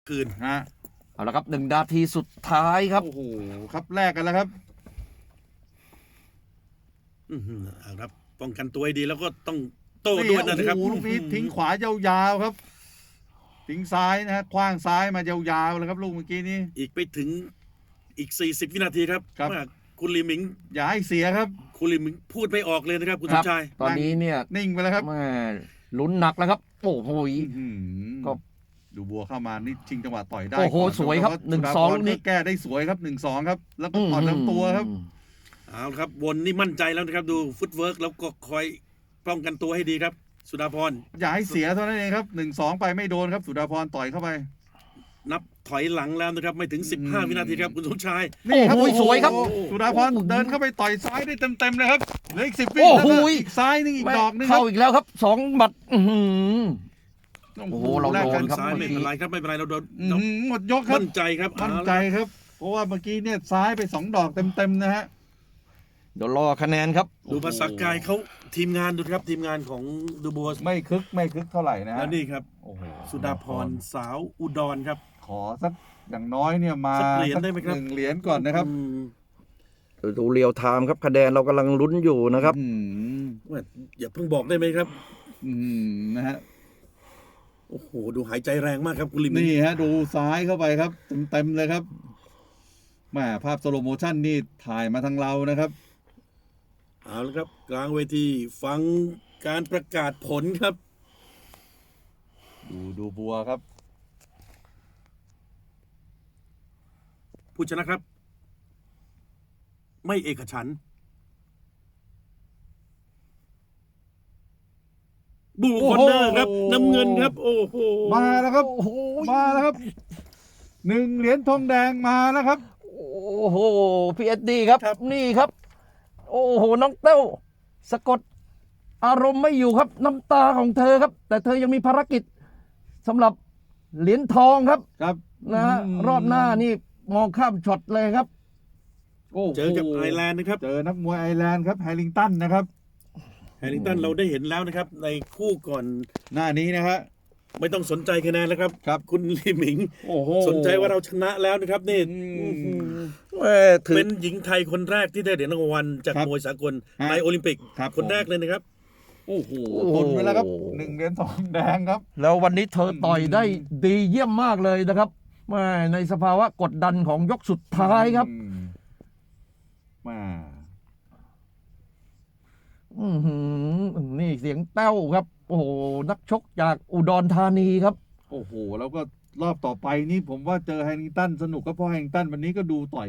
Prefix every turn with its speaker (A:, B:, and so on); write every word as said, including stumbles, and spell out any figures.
A: คืน
B: ฮะ
C: เอาละครับหนึ่งนาทีสุดท้ายครับ
B: โอ้โหครับแลกกันแล้วครับ
A: อือหือเอาครับป้องกันตัวให้ดีแล้วก็ต้องโต้ด้วยนะครับ
B: โอ้โหลูกนี้ทิ้งขวายาวๆครับทิ้งซ้ายนะฮะคว้างซ้ายมายาวๆเลยครับลูกเมื่อกี้นี้
A: อีกไปถึงอีกสี่สิบวินาทีครับ
B: ครับ
A: ว่าคุณลีหมิง
B: อย่าให้เสียครับ
A: คุณลีหมิงพูดไม่ออกเลยนะครับ คุณ
C: ค
A: ส
C: รั
A: มชาย
C: ตอนนี้เนี่ย
B: นิ่งไปแล้วครับ
C: แม่ลุ้นหนักแล้วครับโอ้โห
B: อื้อหือ
C: ก็
B: ดูบัวเข้ามานี่ชิงจังหวะต่อยได้
C: โอ้โห
B: ก่น
C: สวยครับ
B: แล้
C: หนึ่ง
B: สุดา
C: สอง
B: พร
C: ลูกนี้
B: แก้ได้สวยครับหนึ่งสองครับ แล้วก็ต่อยลำตัวครับ
A: เอาละครับวนนี่มั่นใจแล้วนะครับดูฟุตเวิร์กแล้วก็คอยป้องกันตัวให้ดีครับ สุดาพร
B: อย่าให้เสียเท่านั้นเองครับหนึ่งสองไปไม่โดนครับ สุดาพรต่อยเข้าไป
A: นับถอยหลังแล้วนะครับไม่ถึงสิบห้าวินาทีครับคุณสมชาย
B: นี่ครับ
C: โอ้โหสวยครับ
B: สุดาพรเดินเข้าไปต่อยซ้ายได้เต็มๆเลยครับเหลืออีกสิบวิ
C: โอ้
B: แล้ว
C: โห
B: ก็อีกซ้ายนึงอีกดอกนึงครั
C: เข้า
B: บ
C: อีกแล้วครับสองหมัดอื้อหือ โอ้โหเรา
B: แลก
C: โด
B: กัน
C: ครับ
A: ซ้ายไม่เป็นไรครับไม่เป็นไรเราโดน
B: อื้อหือหมดยกครับ
A: มั่นใจครับ
B: มั่นใจครับ เพราะว่าเมื่อกี้เนี่ยซ้ายไปสองดอกเต็มๆนะฮะ
C: เดี๋ยวรอคะแนนครับ
A: ดูภาษากายเขาทีมงานดูครับทีมงานของดูโบส
B: ไม่คึกไม่คึกเท่าไหร่นะฮะ
A: แล้วนี่ครับ
B: โอ้โห
A: สุดาพรสาวอุดรครับ
B: ขอสักอย่างน้อยเนี่ยมา
A: สักเหรียญได้ไหมครับ
B: หนึ่งเหรียญก่อนนะครับ
A: อืม
C: ดูเรียวไทม์ครับคะแนนเรากำลังลุ้นอยู่นะครับ
B: อืม
A: ว่าอย่าเพิ่งบอกได้ไหมครับ
B: อืมนะฮะ
A: โอ้โหดูหายใจแรงมากครับคุณลิม
B: นี่ฮะดูซ้ายเข้าไปครับเต็มๆเลยครับแหม่ภาพสโลโมชั่นนี่ถ่ายมาทางเรานะครับ
A: เอาละครับ กลางเวทีฟังการประกาศผลครับ
B: ดูดูบัวครับ
A: ผู้ชนะครับ ไม่เอกฉันท์บูคอนเนอร์ครับ
B: โอ้โห
A: น้ำเงินครับ โอ้โห
B: มาแล้วครับ
C: โอ้โห
B: มาแล้วครับหนึ่งเหรียญทองแดงมาแล้วครับ
C: โอ้โหพีเอสดีครับ นี่ครับ โอ้โหน้องเต้าสะกดอารมณ์ไม่อยู่ครับ น้ำตาของเธอครับ แต่เธอยังมีภารกิจสำหรับเหรียญทองครับ
B: ครับ
C: นะฮะรอบหน้านี่มองข้ามช็อตเลยครับ
B: โอ้โห
A: เจอกับไอร์แลนด์นะครับ
B: เจอนักมวยไอร์แลนด์ครับแฮร์ริงตันนะครับ
A: แฮร์ริงตันเราได้เห็นแล้วนะครับ ในคู่ก่อน
B: หน้านี้นะฮะ
A: ไม่ต้องสนใจคะแนนแล้วครับ
B: ครับ
A: คุณลีหมิง
B: โอ้โห
A: สนใจว่าเราชนะแล้วนะครับนี่
B: อืม
C: เอ่อถือ
A: เป็นหญิงไทยคนแรกที่ได้เหรียญรางวัลจาก
B: ครับ
A: มวยสากล
B: ฮะ
A: ในโอลิมปิก
B: ครับ
A: คนแรกเลยนะครับ
B: โอ้โหทนไปแล้วครับหนึ่งเหรียญทองแดงครับ
C: แล้ววันนี้เธอต่อยได้ดีเยี่ยมมากเลยนะครับแม่ในสภาวะกดดันของยกสุดท้ายครับ
B: อืมมา
C: อือหือนี่เสียงแต้วครับ โอ้โหนักชกจากอุดรธานีครับ
B: โอ้โห แล้วก็รอบต่อไปนี่ผมว่าเจอแฮร์ริงตันสนุกก็เพราะแฮร์ริงตันวันนี้ก็ดูต่อย